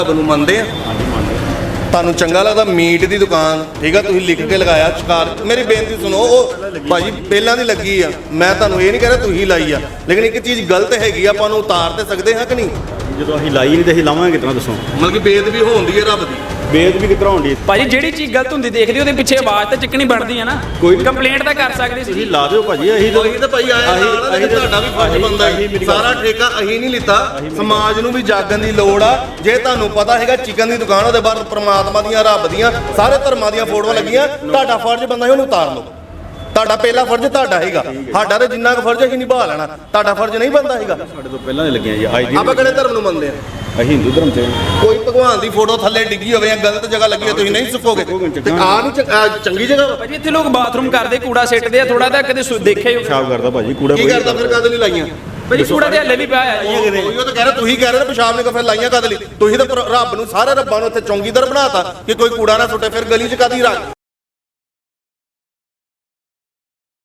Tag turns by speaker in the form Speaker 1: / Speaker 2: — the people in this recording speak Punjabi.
Speaker 1: ਨੂੰ ਮੰਨਦੇ ਆ?
Speaker 2: ਹਾਂਜੀ ਮੰਨਦੇ।
Speaker 1: ਤੁਹਾਨੂੰ ਚੰਗਾ ਲੱਗਦਾ ਮੀਟ ਦੀ ਦੁਕਾਨ, ਠੀਕ ਆ, ਤੁਸੀਂ ਲਿਖ ਕੇ ਲਗਾਇਆ ਸ਼ਿਕਾਰ। ਮੇਰੀ ਬੇਨਤੀ ਸੁਣੋ, ਉਹ ਭਾਜੀ ਪਹਿਲਾਂ ਦੀ ਲੱਗੀ ਆ, ਮੈਂ ਤੁਹਾਨੂੰ ਇਹ ਨਹੀਂ ਕਹਿ ਰਿਹਾ ਤੁਸੀਂ ਲਾਈ ਆ, ਲੇਕਿਨ ਇੱਕ ਚੀਜ਼ ਗਲਤ ਹੈਗੀ ਆ, ਆਪਾਂ ਨੂੰ ਉਤਾਰ ਤੇ ਸਕਦੇ ਹਾਂ ਕਿ ਨਹੀਂ?
Speaker 2: ਜਦੋਂ ਅਸੀਂ ਲਾਈ ਨਹੀਂ ਤੇ ਅਸੀਂ ਲਾਵਾਂਗੇ ਕਿਤਨਾ ਦੱਸੋ?
Speaker 1: ਮਤਲਬ ਕਿ ਬੇਅਦਬੀ ਹੋਉਂਦੀ ਹੈ ਰੱਬ ਦੀ।
Speaker 2: ਬੇਅਦਬੀ ਕਿਤਨਾ ਹੋਣੀ?
Speaker 3: ਭਾਜੀ ਜਿਹੜੀ ਚੀਜ਼ ਗਲਤ ਹੁੰਦੀ ਦੇਖਦੇ ਉਹਦੇ ਪਿੱਛੇ ਆਵਾਜ਼ ਤਾਂ ਚੱਕਣੀ ਬਣਦੀ ਆ ਨਾ।
Speaker 2: ਕੋਈ
Speaker 3: ਕੰਪਲੇਂਟ ਤਾਂ ਕਰ ਸਕਦੇ ਸੀ।
Speaker 2: ਤੁਸੀਂ ਲਾ ਦਿਓ ਭਾਜੀ। ਅਸੀਂ
Speaker 1: ਤਾਂ ਭਾਈ ਆਇਆ ਨਾਲ ਤੁਹਾਡਾ ਵੀ ਫਰਜ਼ ਬਣਦਾ ਹੈ। ਸਾਰਾ ਠੇਕਾ ਅਸੀਂ ਨਹੀਂ ਲਿੱਤਾ, ਸਮਾਜ ਨੂੰ ਵੀ ਜਾਗਣ ਦੀ ਲੋੜ ਆ। ਜੇ ਤੁਹਾਨੂੰ ਪਤਾ ਹੈਗਾ ਚਿਕਨ ਦੀ ਦੁਕਾਨ, ਉਹਦੇ ਬਾਅਦ ਪ੍ਰਮਾਤਮਾ ਦੀਆਂ, ਰੱਬ ਦੀਆਂ, ਸਾਰੇ ਧਰਮਾਂ ਦੀਆਂ ਫੋਟੋਆਂ ਲੱਗੀਆਂ, ਤੁਹਾਡਾ ਫਰਜ਼ ਬਣਦਾ ਹੈ ਉਹਨੂੰ ਉਤਾਰ ਲਓ। ਤੁਹਾਡਾ ਪਹਿਲਾ ਫਰਜ਼ ਤੁਹਾਡਾ ਹੈਗਾ, ਸਾਡਾ ਤੇ ਜਿੰਨਾ ਕੁ ਫਰਜ਼ ਅਸੀਂ ਨਿਭਾ ਲੈਣਾ, ਤੁਹਾਡਾ ਫਰਜ਼ ਨਹੀਂ ਬਣਦਾ ਹੈਗਾ।
Speaker 2: ਸਾਡੇ ਤੋਂ ਪਹਿਲਾਂ ਦੇ ਲੱਗੀਆਂ ਜੀ। ਅੱਜ ਦੀ
Speaker 1: ਆਪਾਂ ਕਿਹੜੇ ਧਰਮ ਨੂੰ ਮੰਨਦੇ ਆ?
Speaker 2: ਅਸੀਂ ਹਿੰਦੂ ਧਰਮ ਤੇ।
Speaker 1: ਕੋਈ ਭਗਵਾਨ ਦੀ ਫੋਟੋ ਥੱਲੇ ਡਿੱਗੀ ਹੋਵੇ ਜਾਂ ਗਲਤ ਜਗ੍ਹਾ ਲੱਗੀ ਹੋਵੇ, ਤੁਸੀਂ ਨਹੀਂ ਸੁੱਕੋਗੇ ਤੇ ਆ ਨਹੀਂ ਚੰਗੀ ਜਗ੍ਹਾ ਵਾ।
Speaker 3: ਭਾਜੀ ਇੱਥੇ ਲੋਕ ਬਾਥਰੂਮ ਕਰਦੇ, ਕੂੜਾ ਸਿੱਟਦੇ ਆ, ਥੋੜਾ ਤਾਂ ਕਦੇ ਦੇਖਿਆ ਹੀ
Speaker 2: ਪਿਸ਼ਾਬ ਕਰਦਾ ਭਾਜੀ ਕੂੜਾ।
Speaker 1: ਕੀ ਕਰਦਾ ਫਿਰ? ਕਦ ਨਹੀਂ ਲਾਈਆਂ
Speaker 3: ਭਾਜੀ? ਕੂੜਾ ਤੇ ਹੱਲੇ ਵੀ ਪਿਆ ਆ।
Speaker 1: ਉਹ ਤਾਂ ਕਹਿ ਰਹੇ, ਤੁਸੀਂ ਕਹਿ ਰਹੇ ਪਿਸ਼ਾਬ ਨੇ ਫਿਰ ਲਾਈਆਂ ਕਦ ਲਈ? ਤੁਸੀਂ ਤਾਂ ਰੱਬ ਨੂੰ, ਸਾਰੇ ਰੱਬਾਂ ਨੂੰ ਇੱਥੇ ਚੌਂਕੀਦਾਰ ਬਣਾਤਾ ਕਿ ਕੋਈ ਕੂੜਾ ਨਾ ਸੁੱਟੇ, ਫਿਰ ਗਲੀ 'ਚ ਕਾਦੀ ਰੱਖ